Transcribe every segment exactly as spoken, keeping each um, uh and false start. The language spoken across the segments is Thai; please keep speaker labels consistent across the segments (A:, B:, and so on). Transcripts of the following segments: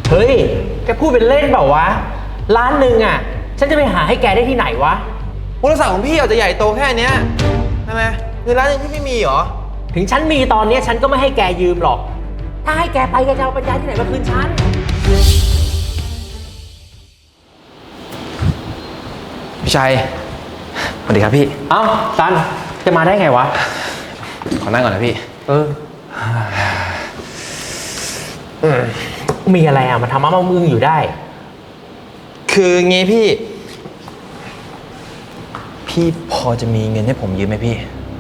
A: เฮ้ยแกพูดเป็นเล่นเปล่าวะร้านหนึ่งอ่ะฉันจะไปหาให้แกได้ที่ไหนวะ
B: บริษัทของพี่อาจจะใหญ่โตแค่เนี้ยใช่ไหมเงินร้านหนึ่งพี่ไม่มีเหรอ
A: ถึงฉันมีตอนนี้ฉันก็ไม่ให้แกยืมหรอกถ้าให้แกไปแกจะเอาปัญญาที่ไหนมาคืนฉัน
B: พี่ชัยสวัสดีครับพี่
A: เอ้าซันจะมาได้ไงวะ
B: ขอนั่งก่อนนะพี่
A: เออมีอะไรอ่ะมาทำมาเมามึงอยู่ได้
B: คืองี้พี่พี่พอจะมีเงินให้ผมยืมไหมพี่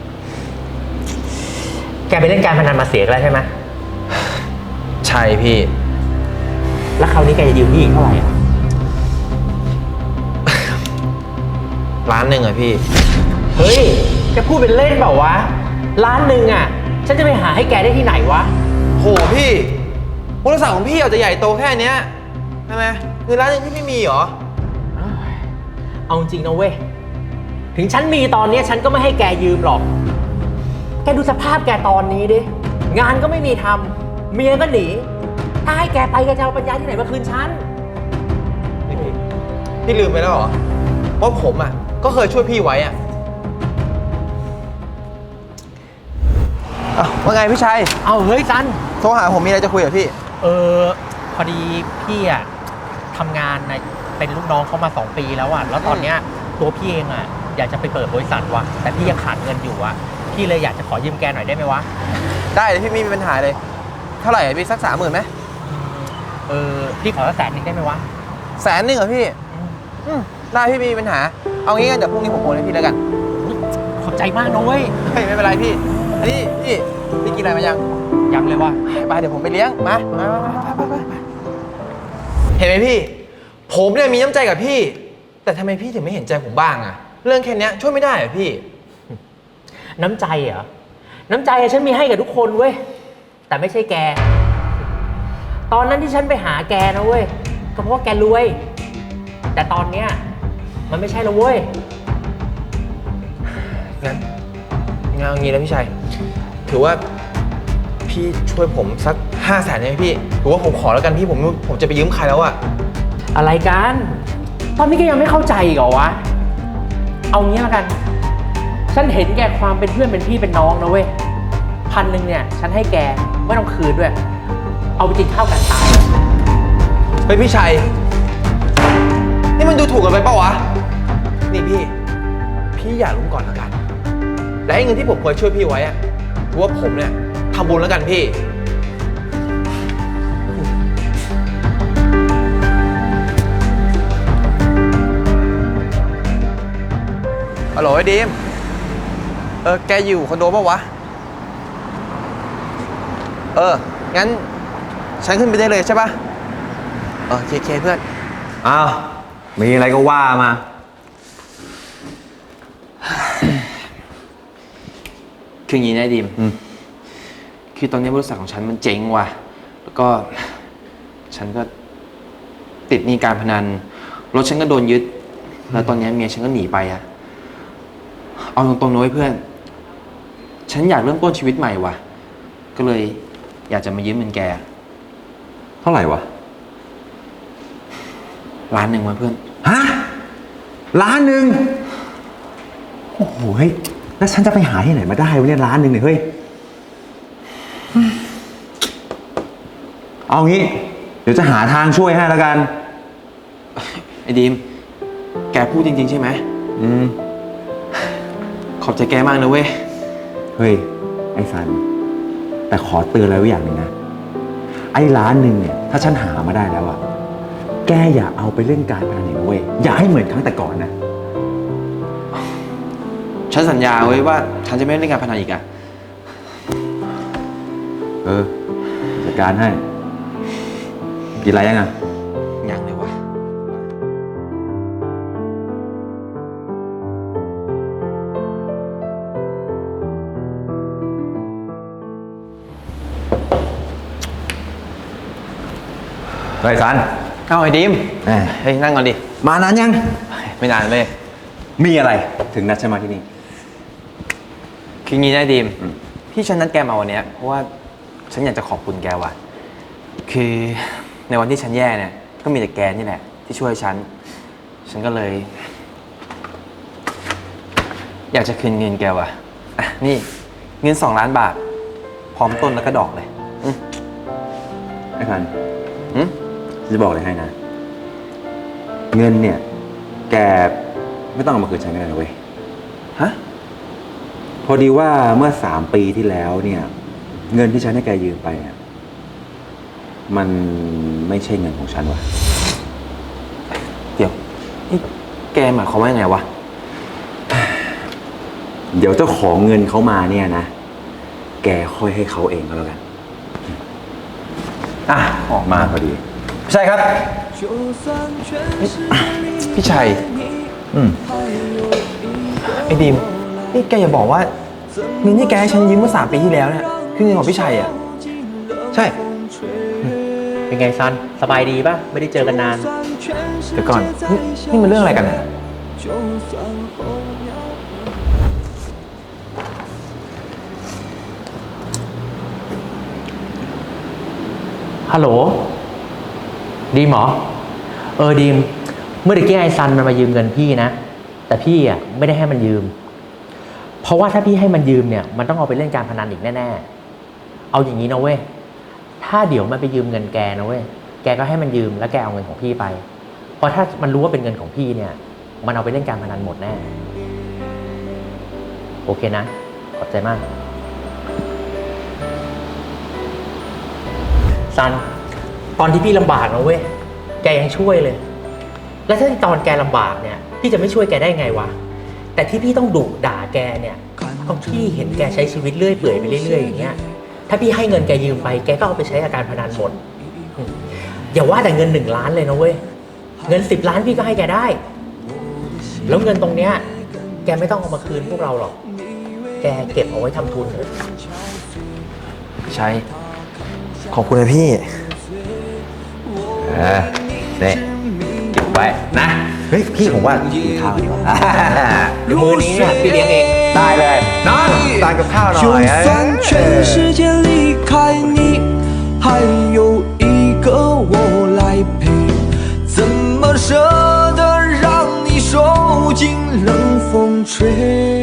A: แกไปเล่นการพนันมาเสียแล้วใช่ไหม
B: ใช่พี่
A: แล้วคราวนี้แกจะยืมพี่อีกเท่าไหร่อ่ะ
B: ล้านหนึ่งอะพี่
A: เฮ้ยแกพูดเป็นเล่นเปล่าวะล้านหนึ่งอ่ะฉันจะไปหาให้แกได้ที่ไหนวะ
B: โหพี่บริษัทของพี่อาจจะใหญ่โตแค่เนี้ยใช่ไหมเงินล้านหนึ่งพี่ไม่มีเหรอ
A: เอาจริงนะเว้ยถึงฉันมีตอนนี้ฉันก็ไม่ให้แกยืมหรอกแกดูสภาพแกตอนนี้ดิงานก็ไม่มีทำเมียก็หนีถ้าให้แกไปแกจะเอาปัญญาที่ไหนมาคืนฉัน
B: พี่พี่ลืมไปแล้วเหรอว่าผมอ่ะก็เคยช่วยพี่ไว้อ่ะว่าไงพี่ชัย
A: เอาเฮ้ยซัน
B: โทรหาผมมีอะไรจะคุยกับพี่
A: เออพอดีพี่อ่ะทำงานในเป็นลูกน้องเขามาสองปีแล้วอ่ะแล้วตอนเนี้ยตัวพี่เองอ่ะอยากจะไปเปิดบริษัทว่ะแต่พี่ยังขาดเงินอยู่อ่ะพี่เลยอยากจะขอยืมแกหน่อยได้ไหมวะ
B: ได้เลยพี่ไม่มีปัญหาเลยเท่าไหร่พี่สักสามหมื่นไหม
A: เออพี่ขอสักแสนนึงได้ไหมวะ
B: แสนหนึ่งเหรอพี่อืมได้พี่ไม่มีปัญหาเอางี้กันเดี๋ยวพรุ่งนี้ผมโอนให้พี่แล้วกัน
A: ขอบใจมากนะเว้ย
B: ไม่ไม่เป็นไรพี่อันนี้พี่พี่กินอะไรมายัง
A: ยังเลยวะ
B: ไปเดี๋ยวผมไปเลี้ยงมามาไปไปไปเห็นไหมพี่ผมเนี่ยมีน้ำใจกับพี่แต่ทำไมพี่ถึงไม่เห็นใจผมบ้างอะเรื่องแค่นี้ช่วยไม่ได้เหรอพี่
A: น้ำใจเหรอน้ำใจฉันมีให้กับทุกคนเว้ยแต่ไม่ใช่แกตอนนั้นที่ฉันไปหาแกนะเว้ยก็เพราะว่าแกรวยแต่ตอนเนี้ยมันไม่ใช่แล้วเว้ย
B: งั้นงานงี้นะพี่ชัยถือว่าพี่ช่วยผมสักห้าแสนได้ไหมพี่ถือว่าผมขอแล้วกันพี่ผมผมจะไปยืมใครแล้วอะ
A: อะไรกันตอนนี้ก็ยังไม่เข้าใจอีกเหรอวะเอางี้แล้วกันฉันเห็นแกความเป็นเพื่อนเป็นพี่เป็นน้องนะเว้ยพันหนึ่งเนี่ยฉันให้แกไม่ต้องคืนด้วยเอาไปกินข้าวกันตาย
B: เฮ้ยพี่ชัยนี่มันดูถูกกันไปเปล่าวะนี่พี่พี่อย่าลุ้มก่อนแล้วกันและไอ้เงินที่ผมเคยช่วยพี่ไว้อะถือว่าผมเนี่ยทำบุญแล้วกันพี่ฮัลโหลไอ้ดีมเออแกอยู่คอนโดป่าววะเอองั้นฉันขึ้นไปได้เลยใช่ปะเออเคเคเพื่อน
C: อ้าวมีอะไรก็ว่ามา
B: คืออย่างนี้นะดีมคือตอนนี้บริษัทของฉันมันเจ๊งว่ะแล้วก็ฉันก็ติดหนี้การพนันรถฉันก็โดนยึดแล้วตอนนี้เมียฉันก็หนีไปอะเอาตรงๆนะเพื่อนฉันอยากเริ่มต้นชีวิตใหม่ว่ะก็เลยอยากจะมายืมเงินแก
C: เท่าไหร่วะ
B: ล้านหนึ่งวะเพื่อน
C: ฮะล้านหนึ่งโอ้โหเฮ้ยแล้วฉันจะไปหาที่ไหนมาได้วะเนี่ยล้านหนึ่งเนี่ยเฮ้ยเอางี้เดี๋ยวจะหาทางช่วยให้แล้วกัน
B: ไอ้ดีมแกพูดจริงๆใช่ไหม
C: อืม
B: ขอบใจแกมากนะเว้ย
C: เฮ้ยไอ้สันแต่ขอเตือนอะไรไว้อย่างหนึ่งนะไอ้ล้านหนึ่งเนี่ยถ้าฉันหามาได้แล้วอะแกอย่าเอาไปเล่นการพนันอีกเว้ยอย่าให้เหมือนครั้งแต่ก่อนนะ
B: ฉันสัญญาไว้ว่าฉันจะไม่เล่นการพนันอีกอะ
C: เออจัดการให้กินอะไรยังอะ
B: ยังเลยวะ
C: เฮ้ยซัน
B: เอาไอ้ดิมเฮ้ยนั่งก่อนดิ
C: มานานยัง
B: ไม่นานเลย
C: มีอะไรถึงนัดฉันมาที่นี่
B: คืองี้นะดิมที่ฉันนัดแกมาวันนี้เพราะว่าฉันอยากจะขอบคุณแกว่ะคือในวันที่ฉันแย่เนี่ยก็มีแต่แกนี่แหละที่ช่วยฉัน ฉันก็เลย อยากจะคืนเงินแกว่ะอ่ะนี่เงินสองล้านบาท พร้อมต้นแล้วก็ดอกเลยอืม
C: ไอ้พัน
B: อืม
C: จะบอกเลยให้นะ เงินเนี่ย แกไม่ต้องเอามาคืนฉันก็ได้นะเว้ย
B: ฮะ
C: พอดีว่าเมื่อสามปีที่แล้วเนี่ย เงินที่ฉันให้แกยืมไปอ่ะมันไม่ใช่เงินของฉันว่ะ
B: เดี๋ยวนี่แกหมายความว่ายังไงวะ
C: เดี๋ยวเจ้าของเงินเขามาเนี่ยนะ แกค่อยให้เขาเองก็แล้วกัน
B: อ่ะ
C: ออกมาพอดี
B: ใช่ครับ พี่ชัย
C: อืม
B: ไอ้ดีมนี่แกอย่าบอกว่าเงินที่แกให้ฉันยืมเมื่อสามปีที่แล้วเนี่ยคือเงินของพี่ชัยอ่ะ
C: ใช่
A: เป็นไงซัน สบายดีป่ะ ไม่ได้เจอกันนาน
B: เดี๋ยวก่อนนี่นี่มันเรื่องอะไรกันเนี่ย
A: ฮัลโหล ดีมเหรอ เออดีม เมื่อตะกี้ไอ้ซันมันมายืมเงินพี่นะ แต่พี่อ่ะไม่ได้ให้มันยืม เพราะว่าถ้าพี่ให้มันยืมเนี่ย มันต้องเอาไปเล่นการพนันอีกแน่ๆ เอาอย่างนี้นะเว้ย ถ้าเดี๋ยวมันไปยืมเงินแกนะเว้ย แกก็ให้มันยืมแล้วแกเอาเงินของพี่ไป เพราะถ้ามันรู้ว่าเป็นเงินของพี่เนี่ย มันเอาไปเล่นการพนันหมดแน่ โอเคนะ ขอบใจมาก ซัน ตอนที่พี่ลำบากนะเว้ย แกยังช่วยเลย แล้วถ้าตอนแกลำบากเนี่ย พี่จะไม่ช่วยแกได้ไงวะ แต่ที่พี่ต้องดุด่าแกเนี่ยเพราะพี่เห็นแกใช้ชีวิตเรื่อยเปื่อยไปเรื่อยๆอย่างเงี้ย ถ้าพี่ให้เงินแกยืมไป แกก็เอาไปใช้กับการพนันหมด อย่าว่าแต่เงินหนึ่งล้านเลยนะเว้ย เงินสิบล้านพี่ก็ให้แกได้ แล้วเงินตรงเนี้ย แกไม่ต้องเอามาคืนพวกเราหรอก แกเก็บเอาไว้ทำทุนเถอะ
B: พี่ชัย ขอบคุณนะพี่
C: เออเนี่ยเก็บไว้นะ เฮ้ย พี่ผมว่ากินข้าวดีกว่า
A: มือนี้เนี่ยพี่เลี้ยงเอง
C: ได้เลยนอนตานกับข้าวหน่
D: 就
C: อย
D: 算全世界离开你，还有一个我来陪，怎么舍得让你受尽冷风吹？